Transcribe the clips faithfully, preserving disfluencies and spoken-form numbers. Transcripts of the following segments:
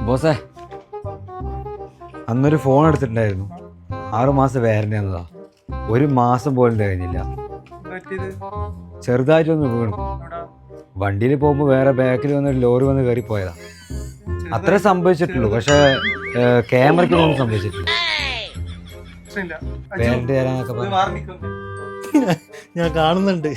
ബോസേ, അന്നൊരു ഫോൺ എടുത്തിട്ടുണ്ടായിരുന്നു. ആറു മാസം വാറന്റി എന്നതാ. ഒരു മാസം പോലും തികഞ്ഞില്ല. ചെറുതായിട്ടൊന്ന് വീണു. വണ്ടിയിൽ പോകുമ്പോൾ വേറെ ബാക്കിൽ വന്നൊരു ലോറി വന്ന് കയറി പോയതാ. അത്രേ സംഭവിച്ചിട്ടുള്ളൂ. പക്ഷെ ക്യാമറയ്ക്ക് ഒന്നും സംഭവിച്ചിട്ടില്ല. വാറന്റി തരാനൊക്കെ പറഞ്ഞു. ഞാൻ കാണുന്നുണ്ട്.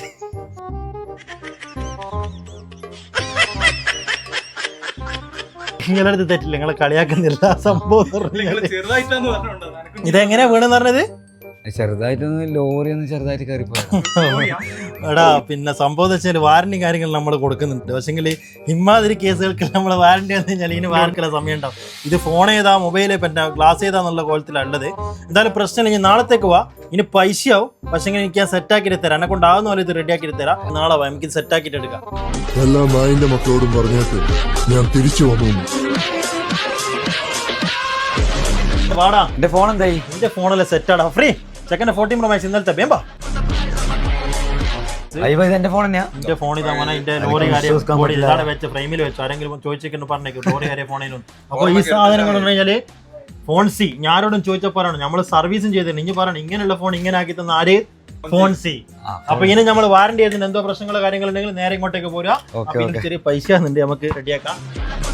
നിങ്ങളടുത്ത് തെറ്റില്ല, നിങ്ങളെ കളിയാക്കുന്നില്ല. സംഭവം ഇതെങ്ങനെയാ വീണെന്ന് പറഞ്ഞത്? ചെറുതായിട്ടൊന്ന് ലോറി ഒന്ന് ചെറുതായിട്ട് കയറി പോയതാ. എടാ പിന്നെ സംഭവം വെച്ചാൽ വാറന്റി കാര്യങ്ങൾ നമ്മൾ കൊടുക്കുന്നുണ്ട്. പക്ഷെങ്കിൽ ഇമാതിരി കേസുകൾക്ക് നമ്മൾ വാറന്റി എന്ന് കഴിഞ്ഞാൽ ഇതിന് വാർക്കുള്ള സമയം ഉണ്ടാവും. ഇത് ഫോൺ ഏതാ മൊബൈൽ പിന്നെ ഗ്ലാസ് ഏതാന്നുള്ള കോലത്തിലാണ് ഉള്ളത്. എന്തായാലും പ്രശ്നമില്ല, ഇനി നാളത്തേക്ക് വാ. ഇനി പൈസയാവും. പക്ഷെങ്കിൽ എനിക്ക് ഞാൻ സെറ്റാക്കിയിട്ട് തരാം. എന്നെ കൊണ്ടാവുന്ന പോലെ ഇത് റെഡിയാക്കിയിട്ട് തരാം. നാളെ വാ, നമുക്ക് സെറ്റാക്കിയിട്ട് എടുക്കാം. എല്ലാ നായിന്റെ മക്കളോടും പറഞ്ഞിട്ട് ഞാൻ തിരിച്ചു വന്നു. വാടാ, എന്റെ ഫോൺ എന്തായി? എന്റെ ഫോണല്ലേ സെറ്റാടാ. ഫ്രീ ചെക്കൻ്റെ ഫോർട്ടീൻ പ്രോ മാക്സ് ഇന്നലത്തെ വേമ്പാ. എന്റെ ഫോൺ തന്നെയാ. എന്റെ ഫോൺ ഇതാ മോനെ. എന്റെ ലോറി കാര്യം ഇതാണ് വെച്ച ഫ്രെയിമിൽ വെച്ചു. ആരെങ്കിലും ചോദിച്ചിട്ട് പറഞ്ഞേക്കും ലോറി കാര്യം ഫോണിലും. അപ്പൊ ഈ സാധനങ്ങൾ എന്ന് പറഞ്ഞാല് ഫോൺ സി. ഞാനോടും ചോദിച്ചപ്പോഴാണ് നമ്മൾ സർവീസും ചെയ്തിട്ടുണ്ട്. ഇനി പറയണം ഇങ്ങനെയുള്ള ഫോൺ ഇങ്ങനെ ആക്കി തന്ന ആര്? ഫോൺ സി. അപ്പൊ ഇനി നമ്മൾ വാറന്റി ചെയ്തിട്ട് എന്തോ പ്രശ്നങ്ങളോ കാര്യങ്ങളുണ്ടെങ്കിൽ നേരെ ഇങ്ങോട്ടേക്ക് പോരാ. ചെറിയ പൈസ നമുക്ക് റെഡിയാക്കാം.